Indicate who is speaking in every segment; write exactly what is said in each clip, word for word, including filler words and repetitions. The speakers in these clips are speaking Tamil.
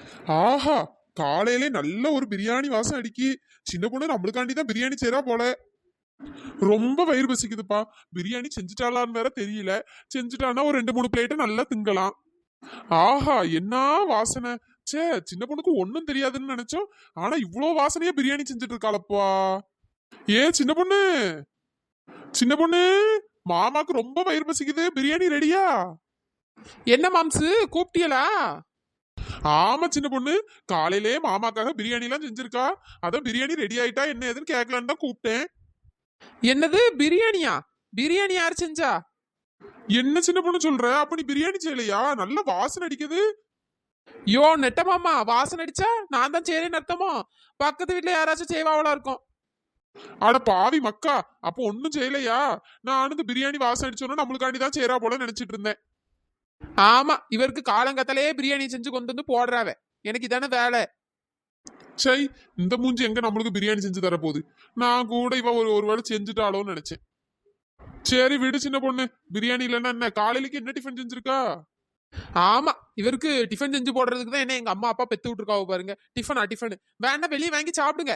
Speaker 1: ஆஹா, காலையிலே நல்ல ஒரு பிரியாணி வாசம் அடிக்கி. சின்ன பொண்ணு நம்மளுக்காண்டி தான் பிரியாணி செய்றா போல. ரொம்ப வயிறு பசிக்குதுப்பா. பிரியாணி செஞ்சுட்டாளான்னு வேற தெரியல. செஞ்சுட்டானா ஒரு ரெண்டு மூணு பிளேட்டை நல்லா திங்கலாம். ஆஹா, என்ன வாசனை! ச்சே, சின்ன பொண்ணுக்கு ஒன்னும் தெரியாதுன்னு நினைச்சோம். ஆனா இவ்வளோ வாசனையா பிரியாணி செஞ்சுட்டு இருக்காளப்பா. ஏ சின்ன பொண்ணு, சின்ன பொண்ணு, மாமாக்கு ரொம்ப வயிறு பசிக்குது. பிரியாணி ரெடியா?
Speaker 2: என்ன மாம்சு கூப்பிட்டியலா?
Speaker 1: ஆமா சின்ன பொண்ணு, காலையிலே மாமாக்காக பிரியாணி எல்லாம் செஞ்சிருக்கா. அதான் பிரியாணி ரெடி ஆயிட்டா என்ன ஏதுன்னு கேட்கலான்னு தான் கூப்பிட்டேன்.
Speaker 2: என்னது பிரியாணியா? பிரியாணி யார் செஞ்சா?
Speaker 1: என்ன சின்ன பொண்ணு சொல்ற? அப்ப நீ பிரியாணி செய்யலையா? நல்ல வாசனை அடிக்குது.
Speaker 2: யோ நெட்ட மாமா, வாசனை அடிச்சா நான் தான் செய்றேன்னு அர்த்தமோ? பக்கத்து வீட்டுல யாராச்சும் செய்வாவளா இருக்கும்.
Speaker 1: அட பாவி மக்கா, அப்போ ஒன்னும் செய்யலையா? நான் இந்த பிரியாணி வாசனை அடிச்சோன்னா நம்மளுக்காண்டி தான் செய்யறா போல நினைச்சிட்டு இருந்தேன்.
Speaker 2: ஆமா, இவருக்கு காலங்கத்திலே பிரியாணி செஞ்சு கொண்டு வந்து போடுறாவ. எனக்கு இதானே வேலை.
Speaker 1: சை, இந்த மூஞ்சி எங்க நம்மளுக்கு பிரியாணி செஞ்சு தர போகுது? நான் கூட இவ ஒரு ஒரு வேளை செஞ்சுட்டாளோன்னு நினைச்சேன். சரி விடு சின்ன பொண்ணு, பிரியாணி இல்லைன்னா என்ன? காலையிலக்கு என்ன டிஃபன் செஞ்சிருக்கா?
Speaker 2: ஆமா, இவருக்கு டிஃபன் செஞ்சு போடுறதுக்கு தான் என்ன எங்க அம்மா அப்பா பெத்து விட்டுருக்காவ பாருங்க. டிஃபனா டிஃபன் வேணா வெளியே வாங்கி சாப்பிடுங்க.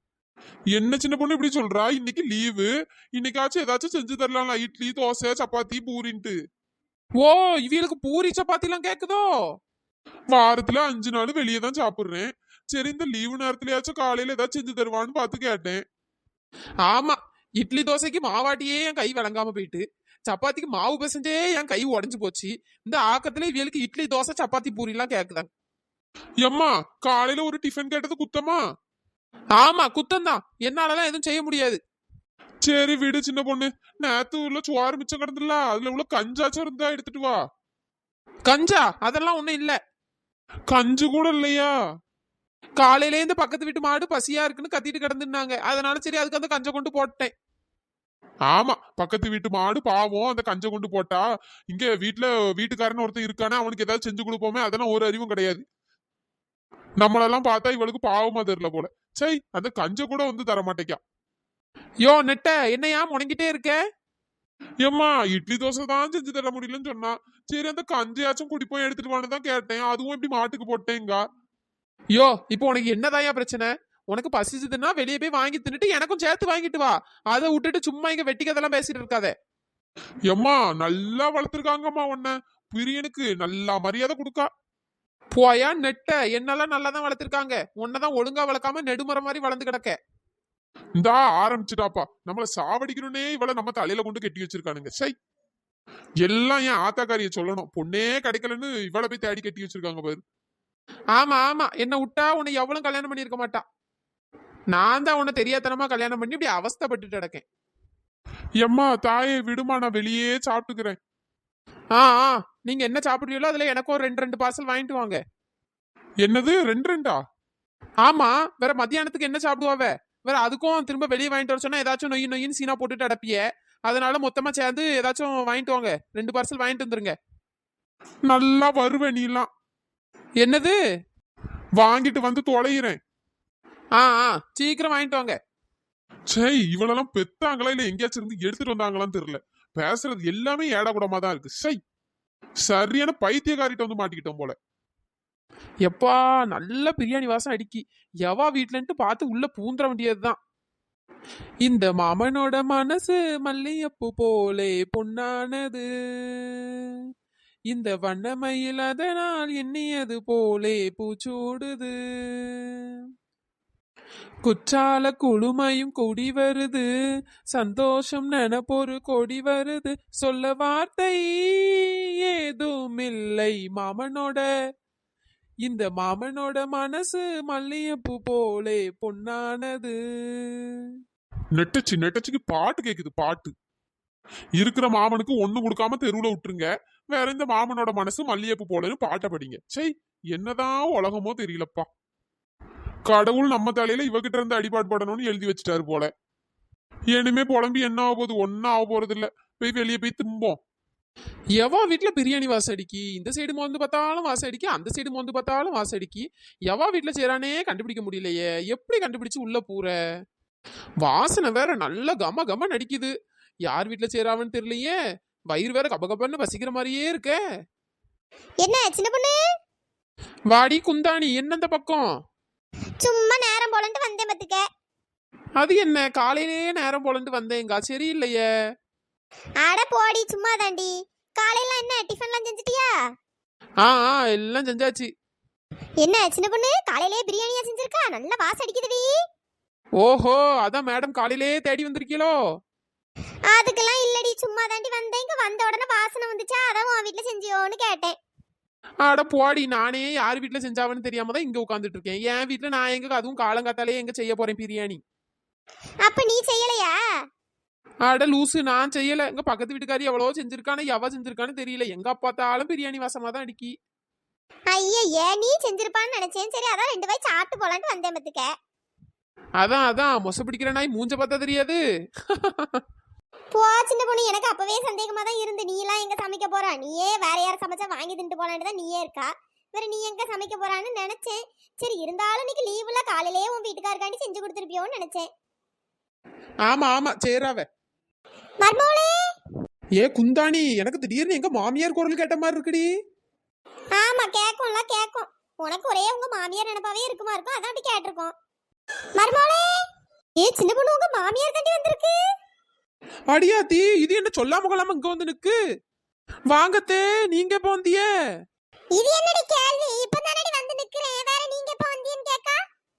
Speaker 1: என்ன சின்ன பொண்ணு இப்படி சொல்றா? இன்னைக்கு லீவு. இன்னைக்காச்சும் ஏதாச்சும் செஞ்சு தரலாம்ல, இட்லி தோசை சப்பாத்தி பூரின்ட்டு.
Speaker 2: ஓ, இவளுக்கு பூரி சப்பாத்தி எல்லாம் கேக்குதோ?
Speaker 1: வாரத்துல அஞ்சு நாள் வெளியே தான் சாப்பிடுறேன். சரி, இந்த லீவு நேரத்துலயாச்சும் காலையில ஏதாச்சும் செஞ்சு தருவான்னு பார்த்து கேட்டேன்.
Speaker 2: ஆமா, இட்லி தோசைக்கு மாவாட்டியே என் கை விளங்காம போயிட்டு, சப்பாத்திக்கு மாவு பிசைஞ்சே என் கை உடஞ்சு போச்சு. இந்த ஆக்கத்துல இவளுக்கு இட்லி தோசை சப்பாத்தி பூரி எல்லாம் கேக்குதாங்க.
Speaker 1: எம்மா, காலையில ஒரு டிஃபன் கேட்டது குத்தமா?
Speaker 2: ஆமா, குத்தம்தான். என்னாலலாம் எதுவும் செய்ய முடியாது.
Speaker 1: சரி விடு சின்ன பொண்ணு, நேத்து உள்ள சுவாறு மிச்சம் கிடந்துல, அதுல உள்ள கஞ்சாச்சும் இருந்தா எடுத்துட்டு வா.
Speaker 2: கஞ்சா அதெல்லாம் ஒண்ணும் இல்ல.
Speaker 1: கஞ்சு கூட இல்லையா?
Speaker 2: காலையில இருந்து பக்கத்து வீட்டு மாடு பசியா இருக்குன்னு கத்திட்டு கிடந்துருந்தாங்க. அதனால சரி அதுக்கு அந்த கஞ்சை கொண்டு போட்டேன்.
Speaker 1: ஆமா, பக்கத்து வீட்டு மாடு பாவம், அந்த கஞ்சை கொண்டு போட்டா. இங்க வீட்டுல வீட்டுக்காரன் ஒருத்தன் இருக்கானே, அவனுக்கு ஏதாவது செஞ்சு கொடுப்போமே, அதெல்லாம் ஒரு அறிவும் கிடையாது. நம்மளெல்லாம் பார்த்தா இவளுக்கு பாவமா தெரியல போல. சை, அந்த கஞ்சை கூட வந்து தர மாட்டேக்கா.
Speaker 2: யோ நெட்ட, என்னையா முணங்கிட்டே இருக்க?
Speaker 1: ஏம்மா, இட்லி தோசை தான் செஞ்சு தர முடியலன்னு சொன்னா. சரி, அந்த கஞ்சையாச்சும் குடிப்போம் எடுத்துட்டு வான்னு தான் கேட்டேன். அதுவும் இப்படி மாட்டுக்கு போட்டேங்க.
Speaker 2: யோ, இப்போ உனக்கு என்னதாயா பிரச்சனை? உனக்கு பசிச்சதுன்னா வெளியே போய் வாங்கி தின்னுட்டு எனக்கும் சேர்த்து வாங்கிட்டு வா. அதை விட்டுட்டு சும்மா இங்க வெட்டிக்கதெல்லாம் பேசிட்டு இருக்காத.
Speaker 1: எம்மா, நல்லா வளர்த்துருக்காங்கம்மா உன்ன. பிரியனுக்கு நல்லா மரியாதை கொடுக்கா.
Speaker 2: போயா நெட்ட, என்னெல்லாம் நல்லா தான் வளர்த்திருக்காங்க. உன்னதான் ஒழுங்கா வளர்க்காம நெடுமுறை மாதிரி வளர்ந்து கிடக்க.
Speaker 1: இந்தா ஆரம்பிச்சுட்டாப்பா. நம்மள சாவடிக்கணும்னே இவள நம்ம தலையில கொண்டு கட்டி வச்சிருக்கானுங்க. சை, எல்லாம் என் ஆத்தாக்காரிய சொல்லணும். பொண்ணே கிடைக்கலன்னு இவளை போய் தேடி கட்டி வச்சிருக்காங்க பாரு.
Speaker 2: ஆமா ஆமா, என்ன விட்டா உன்னை எவ்வளவு கல்யாணம் பண்ணிருக்க மாட்டா. நான் தான் உன்னை தெரியாதனமா கல்யாணம் பண்ணி இப்படி அவஸ்தைப்பட்டுட்டு கிடக்கேன்.
Speaker 1: எம்மா தாயை விடுமா, நான் வெளியே சாப்பிட்டுக்கிறேன்.
Speaker 2: ஆ ஆ, நீங்க என்ன சாப்பிடுறீங்களோ அதுல எனக்கும் ஒரு ரெண்டு ரெண்டு பார்சல் வாங்கிட்டு வாங்க.
Speaker 1: என்னது ரெண்டு ரெண்டா?
Speaker 2: ஆமா, வேற மத்தியானத்துக்கு என்ன சாப்பிடுவாவ? வேற அதுக்கும் திரும்ப வெளியே வாங்கிட்டு வர சொன்னா ஏதாச்சும் நொய் நொயின்னு சீனா போட்டுட்டு அடப்பிய. அதனால மொத்தமா சேர்ந்து ஏதாச்சும் வாங்கிட்டு வாங்க. ரெண்டு பார்சல் வாங்கிட்டு வந்துருங்க.
Speaker 1: நல்லா வருவேன் நீ எல்லாம்.
Speaker 2: என்னது?
Speaker 1: வாங்கிட்டு வந்து தொலைகிறேன்.
Speaker 2: ஆ ஆ, சீக்கிரம் வாங்கிட்டு வாங்க.
Speaker 1: சை, இவளெல்லாம் பெத்தாங்களா இல்ல எங்கேயாச்சும் இருந்து எடுத்துட்டு வந்தாங்களான்னு தெரியல. பேசுறது எல்லாமே ஏடா கூடமா தான் இருக்கு. சை, சரியான பைத்தியக்காரிட்ட வந்து மாட்டிக்கிட்டோம் போல.
Speaker 2: எப்பா, நல்ல பிரியாணி வாசம் அடிக்கி. எவா வீட்டுலன்ட்டு பார்த்து உள்ள பூந்துட வேண்டியதுதான். இந்த மாமனோட மனசு மல்லியப்பூ போலே பொன்னானது, இந்த வண்ணமயில் அதனால் எண்ணியது போலே பூச்சூடுது, குற்றால குழுமையும் கொடி வருது, சந்தோஷம் நெனப்பொரு கொடி வருது, சொல்ல வார்த்தை ஏதும் இல்லை மாமனோட, இந்த மாமனோட மனசு மல்லியப்பூ போலே பொன்னானது.
Speaker 1: நெட்டச்சு நெட்டச்சுக்கு பாட்டு கேக்குது. பாட்டு இருக்கிற மாமனுக்கு ஒண்ணு கொடுக்காம தெருவுல விட்டுருங்க. வேற இந்த மாமனோட மனசு மல்லியப்பு போலன்னு பாட்டை படிங்க. சை, என்னதான் உலகமோ தெரியலப்பா. கடவுள் நம்ம தலையில இவகிட்ட இருந்து அடிபாடு படணும்னு எழுதி வச்சுட்டாரு போல. இனிமே புலம்பி என்ன ஆக போகுது? ஒன்னும் ஆக போறது இல்ல. போய் வெளியே போய் தும்போம்.
Speaker 2: எவா வீட்டுல பிரியாணி வாசம் அடிக்கி, இந்த சைடு மோந்து பார்த்தாலும் வாசம் அடிக்கி, அந்த சைடு மோந்து பார்த்தாலும் வாசம் அடிக்கி. எவா வீட்டுல செய்யறானே கண்டுபிடிக்க முடியலையே. எப்படி கண்டுபிடிச்சு உள்ள பூர? வாசனை வேற நல்ல கம கம நடிக்குது. யார் வீட்டுல செய்யறாவன்னு தெரியலையே. வயிறு வேற கப கபன்னு பசிக்கிற மாதிரியே இருக்க.
Speaker 3: என்ன சின்ன பொண்ணு?
Speaker 2: வாடி குந்தாணி என்ன இந்த பக்கம்?
Speaker 3: சும்மா நேரம் போலன்ட்டு வந்தேன் பத்துக்க.
Speaker 2: அது என்ன காலையிலேயே நேரம் போலன்ட்டு வந்தேங்க சரியில்லையே.
Speaker 3: அட போடி சும்மா தாண்டி. காலையில என்ன டிஃபன்லாம் செஞ்சுட்டியா?
Speaker 2: ஆ ஆ எல்லாம் செஞ்சாச்சு.
Speaker 3: என்ன சின்ன பொண்ணு காலையிலே பிரியாணியா செஞ்சிருக்கா? நல்ல வாசம் அடிக்குதுடி.
Speaker 2: ஓஹோ அதான் மேடம் காலையிலேயே தேடி வந்திருக்கீங்களோ?
Speaker 3: அதுக்கெல்லாம் இல்லடி, சும்மா தாண்டி வந்தேன். இங்க வந்த உடனே வாசனை வந்துச்சா, அதான் உன் வீட்டுல செஞ்சியோன்னு கேட்டேன்.
Speaker 2: அட போடி, நானே யார் வீட்டுல செஞ்சாவன்னு தெரியாம தான் இங்க உட்காந்துட்டு இருக்கேன். என் வீட்டுல நான் எங்க அதுவும் காலங்காத்தாலே எங்க செய்ய போறேன் பிரியாணி.
Speaker 3: அப்ப நீ செய்யலையா?
Speaker 2: அட லூசு, நான் செய்யல. எங்க பக்கத்து வீட்டுக்காரி எவ்வளவோ செஞ்சிருக்கானு எவ செஞ்சிருக்கான்னு தெரியல. எங்க பார்த்தாலும் பிரியாணி வாசமா தான் அடிக்கி.
Speaker 3: ஐயே நீ செஞ்சிருப்பான்னு நினைச்சேன். சரி அதான் ரெண்டு வாய் சாப்பிட்டு போலான்ட்டு வந்தேன் பத்துக்க.
Speaker 2: அதான் அதான் மொச பிடிக்கிற நாய் மூஞ்ச பார்த்தா தெரியாது.
Speaker 3: போ சின்ன பொண்ணு, எனக்கு அப்பவே சந்தேகமா தான் இருந்து நீ எல்லாம் எங்க சமைக்க போறா, நீயே வேற யாரும் சமைச்சா வாங்கி தின்ட்டு போலான்னு தான் நீயே இருக்கா. வேற நீ எங்க சமைக்க போறான்னு நினைச்சேன். சரி இருந்தாலும் இன்னைக்கு லீவுல காலையிலேயே உன் வீட்டுக்காரக்காண்டி செஞ்சு கொடுத்துருப்பியோன்னு நினைச்சேன்.
Speaker 2: ஆமா ஆமா சேராவ.
Speaker 3: மர்மோளே.
Speaker 2: ஏ குந்தாணி, எனக்கு திடீர்னு எங்க மாமியார் குரல் கேட்ட மாதிரி இருக்குடி.
Speaker 3: ஆமா கேக்கும்ல கேக்கும். உனக்கு ஒரே உங்க மாமியார் நினைப்பாவே இருக்குமா இருக்கும், அதான் அப்படி கேட்டிருக்கோம். மர்மோளே. ஏ சின்ன பொண்ணு, உங்க மாமியார் தாண்டி வந்திருக்கு.
Speaker 2: அடியாத்தி, இது என்ன சொல்லாம கொள்ளாம இங்க வந்து நிக்கு. வாங்கத்தே, நீங்க எப்ப வந்திய?
Speaker 3: இது என்னடி கேள்வி? இப்பதானடி வந்து நிக்கிறேன், வேற நீங்க எப்ப வந்தீன்னு கேக்கா.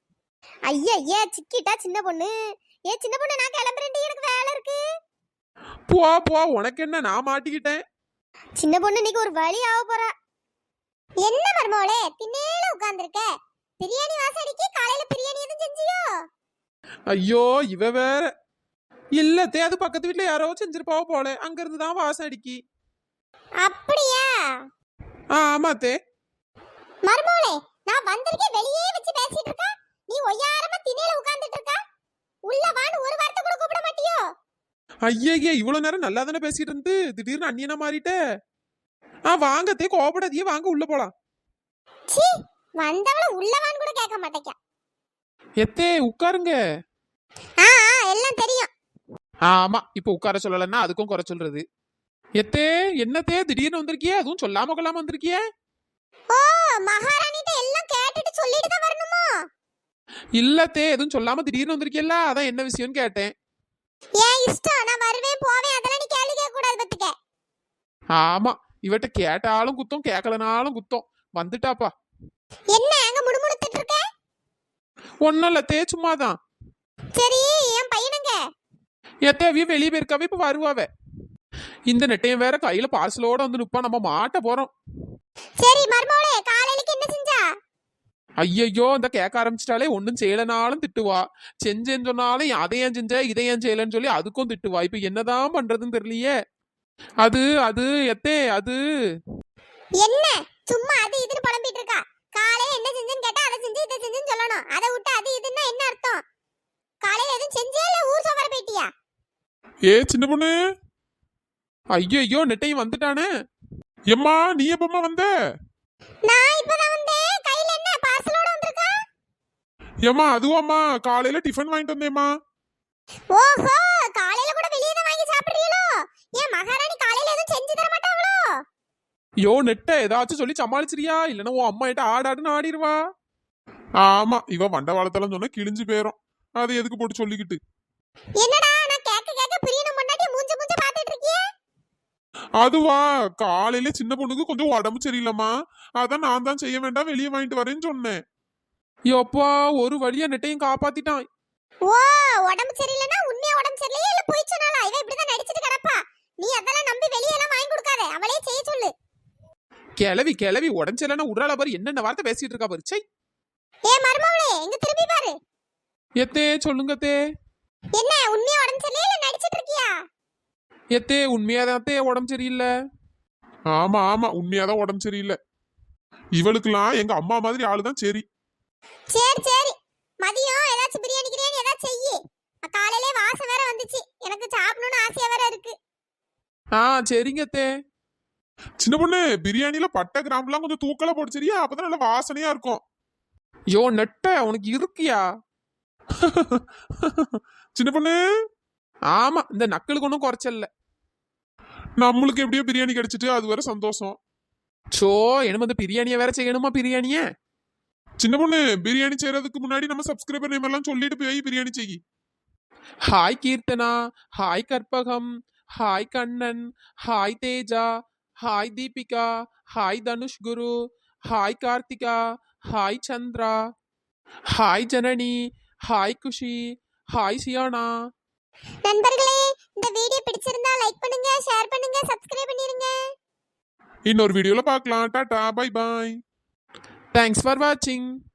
Speaker 3: ஐயா ஐயா சிக்கிட்டா சின்ன பொண்ணு. ஏ சின்ன பொண்ணு, நான் கிளம்புறேன்டி, எனக்கு வேலை இருக்கு.
Speaker 2: போ போ, உனக்கு என்ன, நான் மாட்டிக்கிட்டேன்.
Speaker 3: சின்ன பொண்ணு இன்னைக்கு ஒரு வழி ஆக போறா. என்ன மர்மோளே திண்ணேல உட்கார்ந்திருக்க? பிரியாணி வாசம் அடிக்கி. காலையில பிரியாணி எதுவும் செஞ்சியோ?
Speaker 2: ஐயோ இவ வேற. இல்ல தே, அது பக்கத்து வீட்டுல யாரோ செஞ்சிருப்பாவோ போல, அங்க இருந்து தான் வாசம் அடிக்கி.
Speaker 3: அப்படியா?
Speaker 2: ஆமா தே.
Speaker 3: மர்மோளே, நான் வந்திருக்கேன் வெளியே வச்சு பேசிட்டு இருக்கா, நீ ஒய்யாரமா திண்ணேல உட்கார்ந்துட்டு இருக்கா. உள்ள வான்னு ஒரு வார்த்தை கூட கூப்பிட மாட்டியோ?
Speaker 2: ஐயே, இவ்வளவு நேரம் நல்லா தானே பேசிட்டு இருந்து திடீர்னு அந்நியனா மாறிட்ட. ஆ வாங்கத்தே, கோபப்படாதீங்க, வாங்க உள்ள போலாம்.
Speaker 3: சீ, வந்தவள உள்ள வான்னு கூட கேட்க மாட்டேங்க.
Speaker 2: எத்தே உட்காருங்க.
Speaker 3: ஆ ஆ எல்லாம் தெரியும்.
Speaker 2: ஆமா, இப்ப உட்கார சொல்லலன்னா அதுக்கும் குறை சொல்றது. எத்தே என்னத்தே திடீர்னு வந்திருக்கியே, அதுவும் சொல்லாம கொள்ளாம வந்திருக்கியே?
Speaker 3: ஓ, மகாராணிட்ட எல்லாம் கேட்டுட்டு சொல்லிட்டு தான் வரணுமா?
Speaker 2: இல்லத்தே, எதுவும் சொல்லாம திடீர்னு வந்திருக்கியல்ல, அதான் என்ன விஷயம்னு கேட்டேன்.
Speaker 3: ஏன் இஷ்டம், நான் வருவேன் போவேன், அதெல்லாம் நீ கேள்வி கேட்க கூடாது பத்துக்க.
Speaker 2: ஆமா, இவட்ட கேட்டாலும் குத்தம் கேட்கலனாலும் குத்தம். வந்துட்டாப்பா.
Speaker 3: என்ன அங்க முடுமுடுத்துட்டு இருக்க?
Speaker 2: ஒன்னும் இல்ல தே, சும்மாதான்.
Speaker 3: சரி என் பையனுங்க?
Speaker 2: எத்தையவே வெளியே போயிருக்காவே, இப்ப வருவாவ. இந்த நெட்டையும் வேற கையில பார்சலோட வந்து நிப்பா, நம்ம மாட்ட போறோம்.
Speaker 3: சரி மர்மோளே, காலையிலக்கு என்ன செஞ்சா?
Speaker 2: ஐயையோ, இந்த கேட்க ஆரம்பிச்சிட்டாலே ஒன்னும் செய்யலனாலும் திட்டுவா, செஞ்சேன்னு சொன்னாலும் அதை ஏன் செஞ்ச இதை ஏன் செய்யலன்னு சொல்லி அதுக்கும் திட்டுவா. இப்ப என்னதான் பண்றதுன்னு தெரியலையே. அது அது எத்தே அது
Speaker 3: என்ன சும்மா அது இதுன்னு புலம்பிட்டு இருக்கா? காலையில என்ன செஞ்சேன்னு கேட்டா அதை செஞ்சு இதை செஞ்சுன்னு சொல்லணும். அதை விட்டு அது இதுன்னா என்ன அர்த்தம்? காலையில எதுவும் செஞ்சியா இல்ல ஊர் சோவர போயிட்டியா?
Speaker 1: ஏ சின்ன பொண்ணு.
Speaker 2: ஐயோ நெட்டையும் வந்துட்டானே.
Speaker 1: எம்மா நீ எப்பமா வந்த?
Speaker 3: நான் இப்பதான் வந்தேன். கையில என்ன பார்சலோட வந்திருக்கா?
Speaker 1: ஏம்மா அதுவாம்மா, காலையில டிஃபன் வாங்கிட்டு வந்தேம்மா.
Speaker 3: ஓஹோ, காலையில கூட வெளியே தான் வாங்கி சாப்பிடுறீங்களோ? ஏன் மகாராணி காலையில எதுவும் செஞ்சு தர மாட்டாங்களோ?
Speaker 2: யோ நெட்ட, ஏதாச்சும் சொல்லி சமாளிச்சிரியா, இல்லன்னா உன் அம்மா கிட்ட ஆடாடுன்னு ஆடிடுவா.
Speaker 1: ஆமா, இவ வண்டவாளத்தெல்லாம் சொன்னா கிழிஞ்சு போயிரும். அது எதுக்கு போட்டு சொல்லிக்கிட்டு?
Speaker 3: என்னடா நான் கேக்க கேக்க பிரியணும் முன்னாடி மூஞ்ச மூஞ்ச பாத்துட்டு இருக்கியே?
Speaker 1: அதுவா, காலையில சின்ன பொண்ணுக்கு கொஞ்சம் உடம்பு சரியில்லம்மா, அதான் நான் தான் செய்ய வேண்டாம் வெளியே வாங்கிட்டு வரேன்னு சொன்னேன்.
Speaker 2: யோப்பா, ஒரு வழியா நெட்டையும் காப்பாத்திட்டான்.
Speaker 3: ஓ, உடம்பு சரியில்லைன்னா உண்மையா உடம்பு சரியில்லையா இல்ல போய் சொன்னாலா? இவ இப்படிதான் நடிச்சிட்டு கிடப்பா. நீ அதெல்லாம் நம்பி வெளியே எல்லாம் வாங்கி கொடுக்காத, அவளே செய்ய சொல்லு.
Speaker 2: கிளவி கிளவி உடஞ்சலன்னா உடறால பாரு, என்னென்ன வார்த்தை பேசிட்டு இருக்கா பாரு. சை.
Speaker 3: ஏ மர்மவளே, இங்க திரும்பி பாரு.
Speaker 2: எத்தே சொல்லுங்க தே.
Speaker 3: என்ன உண்மையா உடம்பு சரியில்லையா இல்ல நடிச்சிட்டு இருக்கியா?
Speaker 2: எத்தே உண்மையாதான் தே உடம்பு சரியில்லை.
Speaker 1: ஆமா ஆமா, உண்மையாதான் உடம்பு சரியில்லை. இவளுக்குலாம் எங்க அம்மா மாதிரி ஆளுதான் சரி.
Speaker 3: சரி சரி, மதியம் ஏதாச்சும் பிரியாணி கிரியாணி ஏதாச்சும் செய்யி. காலையிலே வாசம் வேற வந்துச்சு, எனக்கு சாப்பிடணும்னு ஆசையா வேற இருக்கு.
Speaker 2: ஆ சரிங்க தே.
Speaker 1: சின்ன பொண்ணு, பிரியாணில பட்டை கிராம்புலாம் கொஞ்சம் தூக்கலா போட்டு சரியா, அப்பதான் நல்ல வாசனையா இருக்கும்.
Speaker 2: யோ நெட்ட, உனக்கு இருக்கியா?
Speaker 1: சின்ன பொண்ணு.
Speaker 2: ஆமா, இந்த நக்கலுக்கு ஒன்றும் குறைச்சல்ல.
Speaker 1: நம்மளுக்கு எப்படியோ பிரியாணி கிடைச்சிட்டு அது வரை சந்தோஷம்.
Speaker 2: சோ என்ன வந்து பிரியாணியை வேற செய்யணுமா பிரியாணிய?
Speaker 1: சின்ன பொண்ணு பிரியாணி செய்யறதுக்கு முன்னாடி நம்ம சப்ஸ்கிரைபர் நேம் எல்லாம் சொல்லிட்டு போய் பிரியாணி செய்யி.
Speaker 2: Hi Keerthana, hi Karpagam, hi Kannan, hi Teja, hi Deepika, hi Dhanush Guru, hi Karthika, hi Chandra, hi Janani, hi Kushi, hi Siyana.
Speaker 3: நண்பர்களே, இந்த வீடியோ பிடிச்சிருந்தா லைக் பண்ணுங்க, ஷேர் பண்ணுங்க, சப்ஸ்கிரைப் பண்ணிருங்க.
Speaker 1: இன்னொரு வீடியோல பார்க்கலாம். Tata bye bye.
Speaker 2: Thanks for வாட்சிங்.